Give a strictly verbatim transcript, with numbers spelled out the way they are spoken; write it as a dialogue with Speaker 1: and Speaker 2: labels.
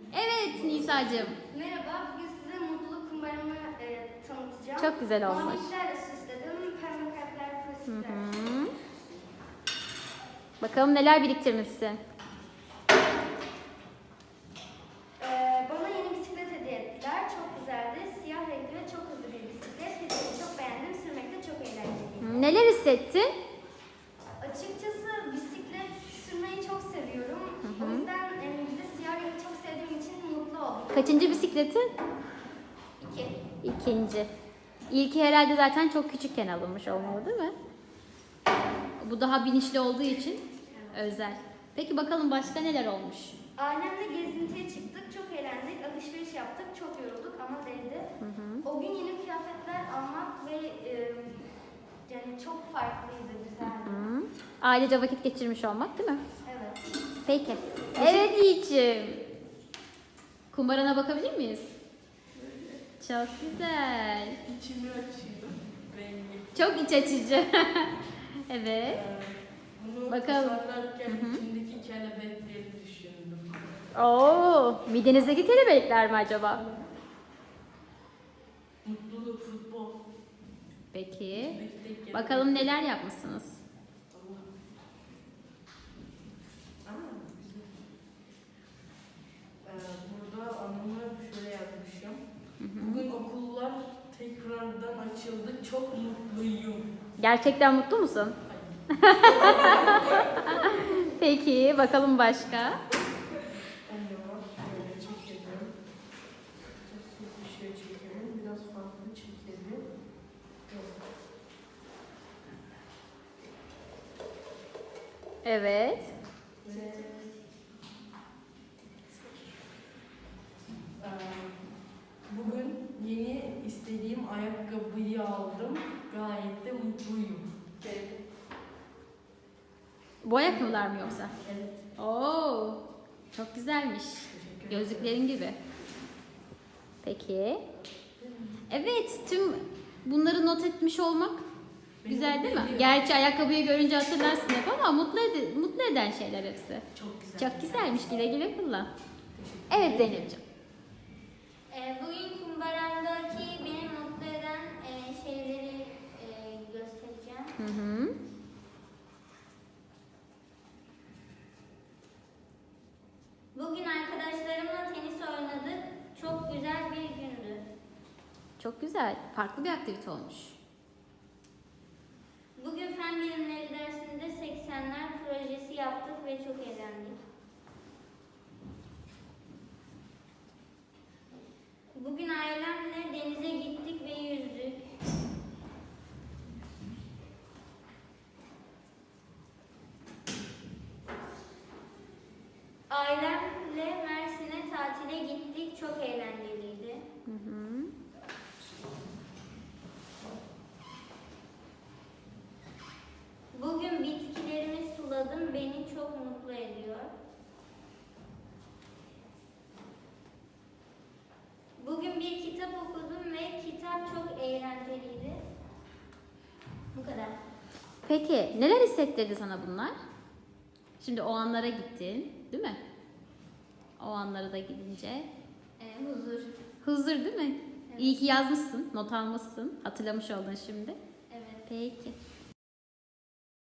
Speaker 1: Evet Nisa'cığım.
Speaker 2: Merhaba, bugün size mutluluk kumbaramı e, tanıtacağım.
Speaker 1: Çok güzel olmuş.
Speaker 2: Maviliklerle süsledim, pembe kalpler, pozitifler.
Speaker 1: Hı hı. Bakalım neler biriktirmişsin.
Speaker 2: E, bana yeni bisiklet hediye ettiler. Çok güzeldi. Siyah renkli ve çok hızlı bir bisiklet. Hediyeyi çok beğendim. Sürmek de çok eğlenceliydi.
Speaker 1: Hı, neler hissettin?
Speaker 2: Açıkçası bisiklet sürmeyi çok seviyorum.
Speaker 1: Hı hı.
Speaker 2: O yüzden e, bir de siyah rengi çok sevdiğim için mutlu oldum.
Speaker 1: Kaçıncı bisikletin?
Speaker 2: İki.
Speaker 1: İkinci. İlki herhalde zaten çok küçükken alınmış olmalı değil mi? Bu daha binişli olduğu için özel. Peki bakalım başka neler olmuş?
Speaker 2: Ailemle gezintiye çıktık, çok eğlendik, alışveriş yaptık, çok yorulduk ama değdi.
Speaker 1: Hı hı.
Speaker 2: O gün yeni kıyafetler almak ve e, yani çok farklıydı, güzeldi.
Speaker 1: Hı. Ailece vakit geçirmiş olmak değil mi?
Speaker 2: Evet.
Speaker 1: Peki. Evet Yiğit'ciğim. Kumbarana bakabilir miyiz? Çok güzel.
Speaker 3: İçimi açıyor. Rengi.
Speaker 1: Çok iç açıcı. Evet.
Speaker 3: Ee, Bunu
Speaker 1: Bakalım.
Speaker 3: tasarlarken
Speaker 1: Hı hı.
Speaker 3: içindeki kelebekleri düşündüm.
Speaker 1: Oo, midenizdeki kelebekler mi acaba?
Speaker 3: Mutluluk, futbol.
Speaker 1: Peki.
Speaker 3: İçindeki tek kelebek.
Speaker 1: Bakalım neler yapmışsınız?
Speaker 3: Allah. Aa, güzel. Ee, burada anımı şöyle yazmışım. Bugün okullar tekrardan açıldı. Çok mutluyum.
Speaker 1: Gerçekten mutlu musun? Peki, bakalım başka.
Speaker 3: Onu şöyle çekelim. Biraz bir şey çekelim. Biraz farklı çekelim.
Speaker 1: Evet.
Speaker 3: Ve Ee, bugün yeni istediğim ayakkabıyı aldım. Gayet de mutluyum.
Speaker 1: Bu ayakkabılar mı yoksa?
Speaker 3: Evet.
Speaker 1: Oo, çok güzelmiş.
Speaker 3: Teşekkür ederim.
Speaker 1: Gözlüklerin gibi. Peki. Evet, tüm bunları not etmiş olmak
Speaker 3: Beni
Speaker 1: güzel
Speaker 3: mutlu
Speaker 1: değil mi?
Speaker 3: ediyor.
Speaker 1: Gerçi ayakkabıyı görünce hatırlarsın hep ama mutlu, ed- mutlu eden şeyler hepsi.
Speaker 3: Çok güzel.
Speaker 1: Çok güzelmiş, güle güle kullan.
Speaker 3: Teşekkür
Speaker 1: Evet
Speaker 3: ederim.
Speaker 1: Zeynep'ciğim.
Speaker 4: Ee, Bugün kumbaramdaki beni mutlu eden e, şeyleri e, göstereceğim.
Speaker 1: Hı hı.
Speaker 4: Bugün arkadaşlarımla tenis oynadık. Çok güzel bir gündü.
Speaker 1: Çok güzel. Farklı bir aktivite olmuş.
Speaker 4: Bugün fen bilimleri dersinde seksenler projesi yaptık ve çok eğlendik. Bugün ailemle denize gittik ve yüzdük. Ailemle Mersin'e tatile gittik. Çok eğlenceliydi.
Speaker 1: Hı hı.
Speaker 4: Bugün bitkilerimi suladım. Beni çok mutlu ediyor. Bugün bir kitap okudum ve kitap çok eğlenceliydi. Bu kadar.
Speaker 1: Peki neler hissettirdi sana bunlar? Şimdi o anlara gittin, değil mi? O anlara da gidince.
Speaker 4: Ee, huzur.
Speaker 1: Huzur değil mi?
Speaker 4: Evet.
Speaker 1: İyi ki yazmışsın, not almışsın. Hatırlamış oldun şimdi.
Speaker 4: Evet.
Speaker 1: Peki.